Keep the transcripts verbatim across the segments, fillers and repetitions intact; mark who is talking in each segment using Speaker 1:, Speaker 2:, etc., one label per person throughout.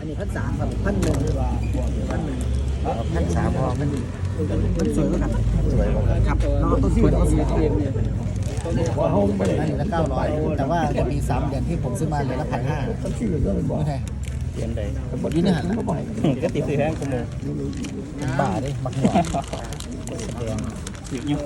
Speaker 1: นนี้พันสามครับพันหนึ่งพันหนึ่ง
Speaker 2: พันสามพอมัน
Speaker 1: มันสวยกว่ากัน
Speaker 2: สวยกว่า
Speaker 1: ครับน้องต้นทุนก็สวย
Speaker 3: เอ็มเนี่ย
Speaker 1: อันนี้ละเก้าร้อยแต่ว่าจะมีสามเดือนที่ผมซื้อมาเหลือละพันห้าไม่ใช่
Speaker 2: เปลี่ยนใด
Speaker 1: อยู่นี่หันละ
Speaker 2: ก็ติดซื้อแห้งกูโมบ้าดิมักหัว
Speaker 3: ยุ่ง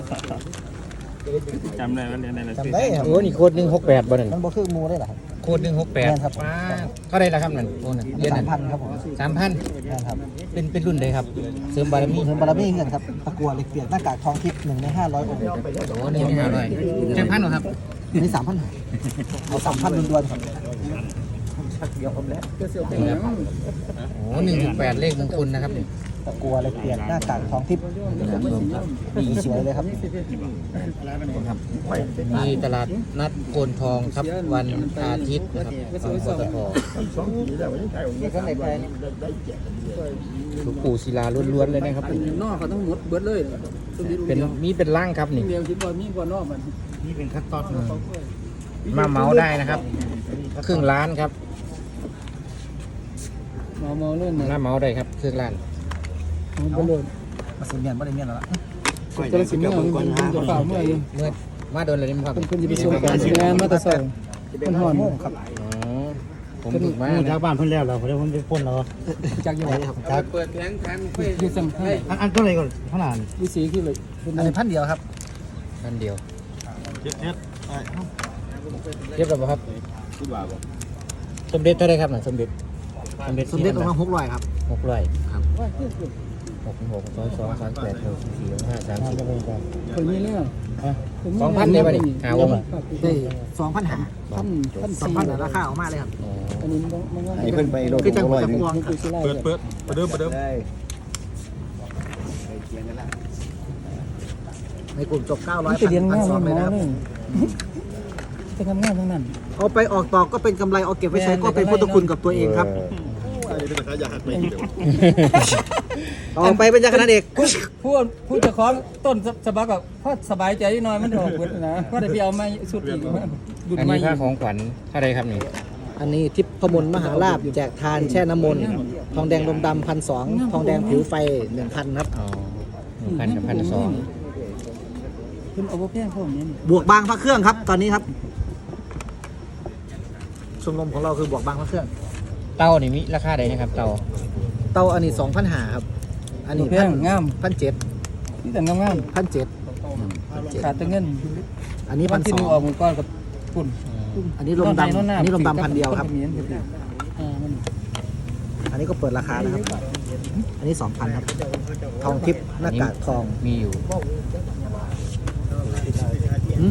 Speaker 3: จำได้ว่าเรียนอะไร
Speaker 1: จำได้ครับ
Speaker 2: โอ้นี่โคตรหนึ่งหกแปดบ่นั่น
Speaker 1: มันบ่คือมูได้หรอครับ
Speaker 2: โคตรหนึ่งหกแปด
Speaker 1: แม่นครับ
Speaker 2: ว้าเท่าไรละครับนั่นโอ้นั่นเดือน
Speaker 1: สา
Speaker 2: นั้
Speaker 1: ม
Speaker 2: น
Speaker 1: พันครับผม
Speaker 2: สามพัน
Speaker 1: ครับ
Speaker 2: เป็นเป็นรุ่นใดครับเสริมบารมี
Speaker 1: เงินบารมีเงินครับตะกัวเหล็กเปียกหน้ากากทองทิพย์หนึ่งในห้าร้อยองค์
Speaker 2: โอ้หนึ่งห้าร้อยเจ็ดพันหรอครับ
Speaker 1: นี่สามพันเอาสามพันล้วนๆครับเดี๋ยวผมแล้ว
Speaker 2: โอ้หนึ่งถึงแปดเลขมงคลนะครับนี่
Speaker 1: ตะกัวเหล็กเปียกหน้ากากทองทิพย์สวยเลยครับ
Speaker 2: ครับมีตลาดนัดโกนทองครับวันอาทิตย์นะครับของปตทหลวงปู่ศิลาล้วนๆเลยนะครับ
Speaker 3: นอกเขาต้องหมดเบิดเลย
Speaker 2: เป็นมีเป็นร่างครับนี่
Speaker 3: เดียวคิดว่ามีกว่านอกมัน
Speaker 1: นี่เป็นขั้นตอน
Speaker 2: มาเมาได้นะครับครึ่งล้านครับ
Speaker 3: เมาเมาเล่น
Speaker 2: หน้าเมาได้ครับครึ่งล้าน
Speaker 3: เมาเล่น
Speaker 1: มาสิเมียนบ่ได้เมียนแล้วล่ะ
Speaker 3: จะสิเมื่อมันจะเปล่าเมื่อยัง
Speaker 2: เมื่อมาโดนอะไรนี่ครับ
Speaker 3: เป็นคนจะไปส่งการงานมาแต่สองมันหอน
Speaker 1: โม่งครับ
Speaker 2: อ๋อผมถูกมา
Speaker 4: ชาวบ้านเพิ่นแล้วเราเพิ่นไปพ่นเรา
Speaker 1: จากยังไงครับ
Speaker 3: เปิดแผงแผงที่สั่งให้
Speaker 4: อันอันก็เลยก่อนขนาด
Speaker 3: วิสีขึ้นเลย
Speaker 1: อันนี้พันเดียวครับ
Speaker 2: ท่านเดียว
Speaker 4: เจ็ดเจ็ด
Speaker 2: เรียบร้อยครับสมเด็จเท่าไรครับน่ะสมเด็จสมเด็จ
Speaker 1: สมเด็จองค์ละหกร้อยครับ
Speaker 2: หกร้อย
Speaker 1: ครับ
Speaker 2: หกหกสองสองสามแปดหกสี่ห้าสามสิบ
Speaker 3: คนนี้เนี่ย
Speaker 2: สองพันได้ป่ะนี่หาวง
Speaker 1: ได้สองพันหา
Speaker 3: พันพัน
Speaker 1: สอง
Speaker 3: สี่
Speaker 1: พันราคาออกมาเลยครับ
Speaker 2: อ๋อ
Speaker 3: อันนี้มันมัน
Speaker 4: ให้เพิ่นไปโลด
Speaker 1: คือจังหวัด
Speaker 4: นึง
Speaker 1: พวงครับ
Speaker 3: เปิดเปิด
Speaker 4: ประเดิมประเดิม
Speaker 1: ในกลุ่มจบเก้าร้อย
Speaker 3: มันจะเรียน
Speaker 1: พัน
Speaker 3: ง่าย
Speaker 1: สอง
Speaker 3: เล
Speaker 1: เลย ย
Speaker 3: นะ
Speaker 1: นะครับ
Speaker 3: จะทำงานทั้งนั้น
Speaker 1: เอาไปออกต่อก็เป็นกำไรเอาเก็บไว้ใช้ก็เป็นพุทธคุณกับตัวเองครับเอาไปเป็นยาคณะเด็ก
Speaker 3: พูดพูดจะคล้องต้นสบักแบบพอสบายใจนิดหน่อยมันออกเบิดนะก็ได้ไปเอาไม้สุดอีกดุด
Speaker 2: อัน
Speaker 3: ไม้
Speaker 2: นี้ค่าของขวัญเท่าไรครับนี่
Speaker 1: อันนี้ทิพย์พมลมหาลาภแจกทานแช่น้ำมนต์ทองแดงลมดำพันสองทองแดงผิวไฟหนึ่งพันครับ
Speaker 2: อ๋อหนึ่งพันกับพันสอง
Speaker 3: คุณเอาแพงพวกนี้
Speaker 1: บวกบางพระเครื่องครับตอนนี้ครับชมรมของเราคือบวกบางพระเครื่อง
Speaker 2: เต้านี่มีราคาใดนะครับเต้า
Speaker 1: เตาอันนี้สองพันหาครับ อันนี้
Speaker 3: แพงงาม
Speaker 1: พันเจ็ด
Speaker 3: นี่แต่งาม
Speaker 1: พันเจ็ด
Speaker 3: ๆขาดแต่เงิน
Speaker 1: อันนี้
Speaker 3: วั
Speaker 1: พั
Speaker 3: น
Speaker 1: น
Speaker 3: ที่
Speaker 1: ส
Speaker 3: ห
Speaker 1: อ
Speaker 3: นึ่ง
Speaker 1: ง
Speaker 3: ออกหมดก้อนกับคุณ
Speaker 1: อันนี้ลมดำอันนี้ลมดำพันเดียวครับ
Speaker 3: อ่ามัน
Speaker 1: อันนี้ก็เปิดราคานะครับ อันนี้สองพันครับ ทองทิพย์หน้ากากทอง
Speaker 2: มีอยู่
Speaker 1: หืม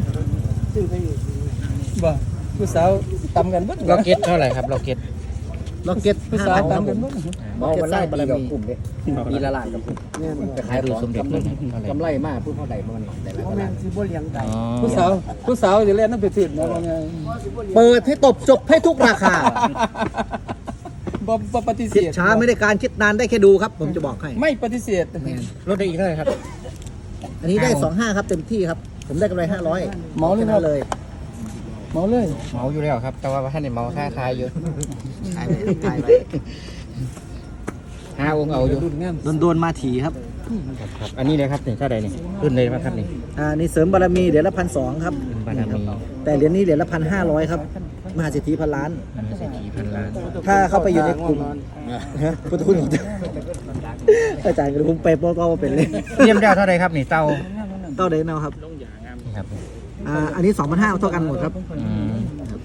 Speaker 3: บ่ผู้สาวตำกันเบิด
Speaker 2: ล็อกเก็ตเท่าไหร่ครับล็อกเก็ต
Speaker 1: ล็อกเก็ต
Speaker 3: ผู้
Speaker 1: ห้า
Speaker 3: สาว
Speaker 1: พันครับ
Speaker 3: ตำ
Speaker 1: ผ
Speaker 3: กัน
Speaker 1: ม
Speaker 3: เบิด
Speaker 1: ล็อกเก็ตสร้างบารมี
Speaker 4: มีละลายกับ
Speaker 2: ไปขายดูสมเด็จเลยเท่าไหร่
Speaker 4: กำไรมากพูดเท่าใดมันได้ละลาย
Speaker 2: อ๋อ
Speaker 3: ผู้สาวผู้สาวจะเล่นน้ำเป็ดถิ่นนะว่าไง
Speaker 1: เปิดให้ตบจบให้ทุกราคา
Speaker 3: บ่บ่ปฏิเส
Speaker 1: คิด
Speaker 3: ธ
Speaker 1: ช้าไม่ได้การคิดนานได้แค่ดูครับ ผมจะบอกให้
Speaker 3: ไม่ปฏิเสธ
Speaker 2: ลดได้อีกเท่าไหร่ครับ
Speaker 1: อันนี้ได้สองห้าครับเต็มที่ครับ ผมได้กำไรห้าร้อย
Speaker 3: เมาเลยครับ
Speaker 1: เลย
Speaker 3: เมาเลย
Speaker 2: เมาอยู่แล้วครับ แต่ว่าท่านเนี่ยเมาค่าคายอยู่
Speaker 1: ขายไปขายไป
Speaker 2: ห้าองค์เอาอยู่
Speaker 3: รุ่นงาม
Speaker 1: โดนโดนๆมาถีครับ
Speaker 2: ครับครับอันนี้เลยครับนี่เท่าไหร่นี่รุ่นเลยครับนี่
Speaker 1: อ่านี่เสริมบารมีเหรียญละพันสองครับ
Speaker 2: บารมี
Speaker 1: แต่เหรียญนี้เหรียญละพันห้าร้อยครับมหาเศรษฐีพันล้าน
Speaker 2: มหาเศรษฐีพันล้าน
Speaker 1: ถ้าเข้าไปอยู่ในกลุ่มฮะพุทธคุณของอาจารย์ก็ผมไปโปรโตเป็นเลย
Speaker 2: เทียมได้เท่าไหร่ครับนี่เต้า
Speaker 1: เต้าเดนเอาครับ
Speaker 2: นี่ครับ
Speaker 1: อ่าอันนี้สองพันห้าเท่ากันหมดครับ
Speaker 2: อืม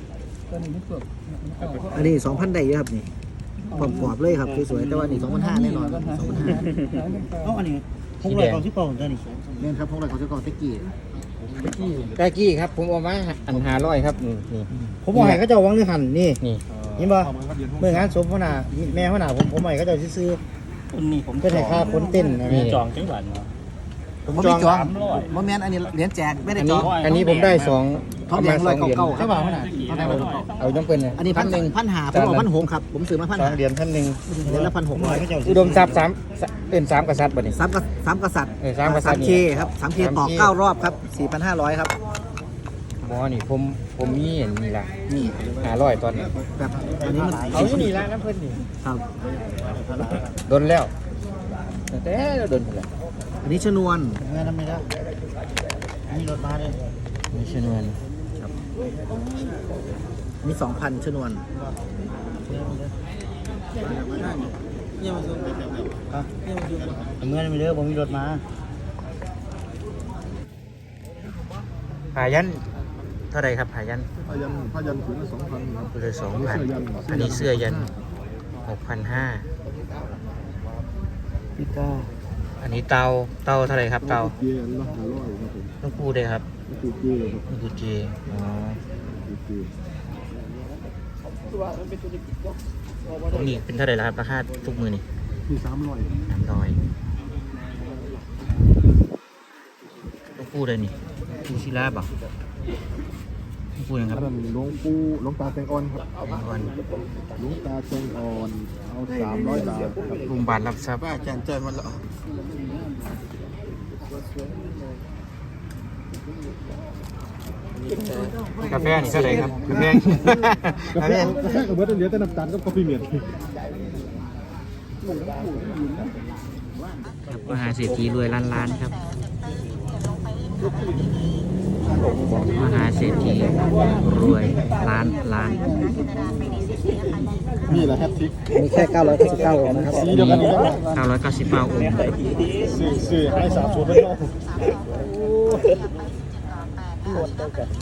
Speaker 1: อันนี้สองพันได้เยอะครับนี่ผอมกรอบเลยครับสวยๆแต่ว่านี่สองพันห้าแน่นอนสองพันห้า
Speaker 4: เอ้าอันนี้พกเลยกองที่กองตัวนี้
Speaker 1: เนี่ยครับพวกเราเขาจะก่อเทกี้
Speaker 2: ตะกี้ครับ ผมเอามาอันหาร้อยครับนี่นี่
Speaker 4: ผมบอกให้เขาเจ้าวังนึกหันนี่
Speaker 2: นี่
Speaker 4: เห็นบ่เมื่องานศพพ่อหน้าแม่พ่อหน้าผมผมให้เขาเจ้าซื้อ
Speaker 3: คนนี้ผม
Speaker 4: เพื่อให้ค่าคนเต้นนะ
Speaker 2: นี่
Speaker 3: จองจังหวัดเนาะ
Speaker 4: ผม
Speaker 1: ผม
Speaker 4: จ
Speaker 1: ไม่
Speaker 4: อง
Speaker 1: จองโมเมนต์อันนี้เหรียญแจกไม่ได้
Speaker 2: อัน
Speaker 1: จ
Speaker 2: นี้
Speaker 1: อง
Speaker 2: อันนี้ผมได้สอง
Speaker 1: ทองแดง
Speaker 2: ประมาณส
Speaker 1: ร้อ
Speaker 2: อย งเหรียญ
Speaker 1: เก่าๆค
Speaker 4: ใช่
Speaker 1: รับ
Speaker 4: ป่าวขนาด
Speaker 1: ทองแดงร้อยเก่า
Speaker 2: เอาต้องเป็น
Speaker 1: ๆอันนี้พัน
Speaker 2: หนึ่ง
Speaker 1: พันหาผมบอกพันหกครับผมซื้อมาพัน
Speaker 2: สอ
Speaker 1: หาง
Speaker 2: เหรียญพันหนึ่ง
Speaker 1: เหรียญละพันหกร้อย
Speaker 4: เขาเจ้า
Speaker 2: อุดมทรัพย์สามเป็นสามกษัตริย์บ่นี่
Speaker 1: สามกษัตริย์สามกษัตริย์
Speaker 2: เออสามกษัตริย์
Speaker 1: เคครับสามเคต่อเก้ารอบครับสี่พันห้าร้อยครับ
Speaker 2: อหมอนี่ผมผมมีเห็นนี่ละนี่หาร้อยตอนนี้
Speaker 1: แบบอันนี้มัน
Speaker 2: เอาอยู่นี่ละน้ำเพิ่นนี่
Speaker 1: ครับ
Speaker 2: โดนแล้วแต่เราโดนไปแล้ว
Speaker 1: อันนี้ชนวน
Speaker 4: เงินทำไมล่ะมีรถมาเลย
Speaker 2: มีชนวน
Speaker 1: อันนี้สองพันชนวน
Speaker 4: เงินมีเด้อผมมีรถมา
Speaker 2: ผายันเท่าไรครับผายัน
Speaker 5: พยันพยันถุงละสองพันครับ
Speaker 2: เลยสองพันอันนี้เสื้อยันหกพันห้า
Speaker 1: พี่ก้า
Speaker 2: อันนี้เตาเตาเท่าไรครับเตา
Speaker 5: เย็นละห้าร้อยครับผม
Speaker 2: ลูกปูได้ครับ
Speaker 5: คือเจครับ
Speaker 2: ลูกปูเจอ๋อ
Speaker 5: คือเจ
Speaker 2: ตรงนี้เป็นเท่าไรแล้วครับราคาทุกมือนี่
Speaker 5: ที่สามร้อย
Speaker 2: สามร้อยลูกปูได้นี่ปูชิลาบ่ลูกปูยังครับ
Speaker 5: อันนั้นหลวงปู่หลวงตาแตงอ่อนครับ
Speaker 2: แตงอ่อน
Speaker 5: หลวงตาแตงอ่อนเอาสามร้อยบาทครับ
Speaker 2: ลุงบาทรับทรัพย์
Speaker 5: ว่าแกนใจมันละ
Speaker 2: กาแฟนี่เท่าไรครับกาแฟ
Speaker 5: กาแฟกาแฟกับเบิร์ดเหลือแต่น้ำตาลกับกาแฟเมียน
Speaker 2: ครับมหาเศรษฐีรวยล้านล้านครับมหาเศรษฐีรวยล้านล้าน
Speaker 5: นี่แหละแฮตทิก
Speaker 1: มีแค่เก้าร้อยเก้าสิบเก้าองค์นะครับ
Speaker 5: สีเดียวกันนี่แหละ
Speaker 2: เก้าร้อยเก้าสิบเก้าองค์
Speaker 5: ซื้อซื้อให้สามสูตรไม่ต้อง